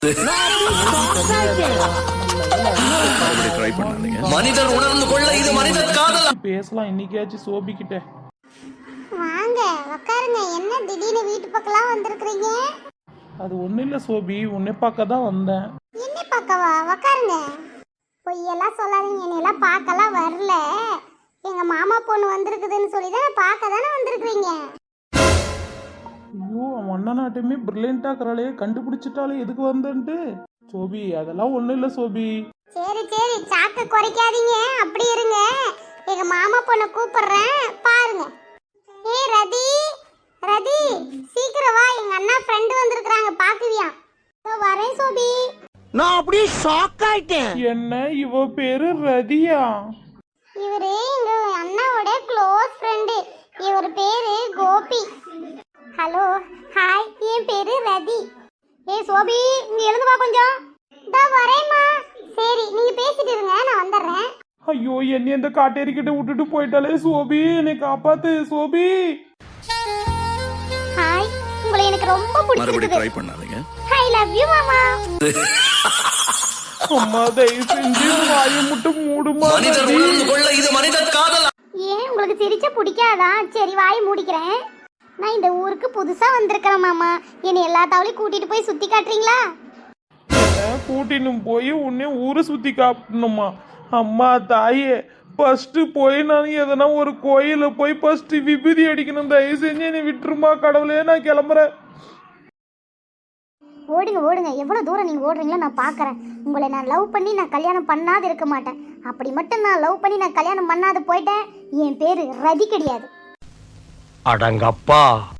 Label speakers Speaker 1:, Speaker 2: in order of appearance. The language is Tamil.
Speaker 1: மனிதர் உணர்ந்து கொள்ள இது மனிதர் காதல்.
Speaker 2: பேசலாம் இன்னைக்காச்சும் சோபி கிட்ட.
Speaker 3: வாங்க உட்காருங்க. என்ன திடீர்னு வீட்டு பக்கம்லாம் வந்திருக்கீங்க?
Speaker 2: அது ஒன்றும் இல்லை சோபி, உன்னை பார்க்க தான் வந்தேன்.
Speaker 3: என்ன பார்க்கவா? உட்காருங்க. பொய்யெல்லாம் சொல்லாதீங்க, என்னையெல்லாம் பார்க்கலாம் வரல. எங்க மாமா பொண்ணு வந்திருக்குதுன்னு சொல்லி தான் பார்க்க தானே வந்திருக்கிறீங்க.
Speaker 2: ஐயோ, அவன் அண்ணனாட்டுமே பிரில்லியண்டா இருக்கிறாளே, கண்டுபிடிச்சிட்டாலே எதுக்கு வந்தேன்ட்டு. சோபி அதெல்லாம் ஒன்றும் இல்லை சோபி.
Speaker 3: சரி சரி, சாக்க குறைக்காதீங்க, அப்படி இருங்க. எங்க மாமா பொண்ணை கூப்பிடுறேன், பாருங்க. ஏய் ரதி, ரதி சீக்கிரம் வா, எங்க அண்ணா ஃப்ரெண்டு வந்திருக்காங்க, பாக்குவியா? வரேன் சோபி.
Speaker 4: நான் அப்படியே ஷாக் ஆயிட்டேன்.
Speaker 2: என்ன இவ பேரு ரதியா?
Speaker 3: இவரு எங்க அண்ணாவோட க்ளோஸ் ஃப்ரெண்டு. இவர் பேரு கோபி. ஹலோ ஹாய், என் பேரு ரதி. ஏய் சோபி, இங்க எழுந்து வா கொஞ்சம். இதோ வரேம்மா. சரி நீங்க பேசிட்டு இருங்க, நான் வந்துடுறேன்.
Speaker 2: ஐயோ, என்னை இந்த காட்டேரிக்கிட்ட விட்டுட்டு போயிட்டாலே சோபி, என்னை காப்பாத்து சோபி.
Speaker 3: ஹாய், உங்களை எனக்கு ரொம்ப பிடிச்சிருக்கு.
Speaker 1: ட்ரை பண்ணாதீங்க.
Speaker 3: ஐ லவ் யூ மாமா.
Speaker 2: அம்மா தயவு செஞ்சு வாயை மட்டும் மூடுமா.
Speaker 1: மனிதர் உணர்ந்து கொள்ள இது மனிதர் காதல்.
Speaker 3: ஏன் உங்களுக்கு சிரிச்ச பிடிக்காதா? சரி வாய் மூடிக்கிறேன். நான் இந்த ஊருக்கு புதுசா வந்திருக்கிறேன் மாமா. என்னை எல்லா தவளையும் கூட்டிட்டு போய் சுத்தி காட்டுறீங்களா?
Speaker 2: கூட்டின்னு போய் உன்னை ஊரை சுத்தி காட்டணுமா? அம்மா தாயே, ஃபர்ஸ்ட் போய் நான் எதனா ஒரு கோயில போய் ஃபர்ஸ்ட் விபூதி அடிக்கணும். தயவு செஞ்சு என்னை விட்டுருமா கடவுளே, நான் கிளம்புறேன்.
Speaker 3: ஓடுங்க ஓடுங்க, எவ்வளவு தூரம் நீங்க ஓடுறீங்களோ நான் பாக்குறேன். உங்களை நான் லவ் பண்ணி நான் கல்யாணம் பண்ணாது இருக்க மாட்டேன். அப்படி மட்டும் நான் லவ் பண்ணி நான் கல்யாணம் பண்ணாது போயிட்டேன், என் பேரு ரதி கிடையாது.
Speaker 4: அடங்கப்பா.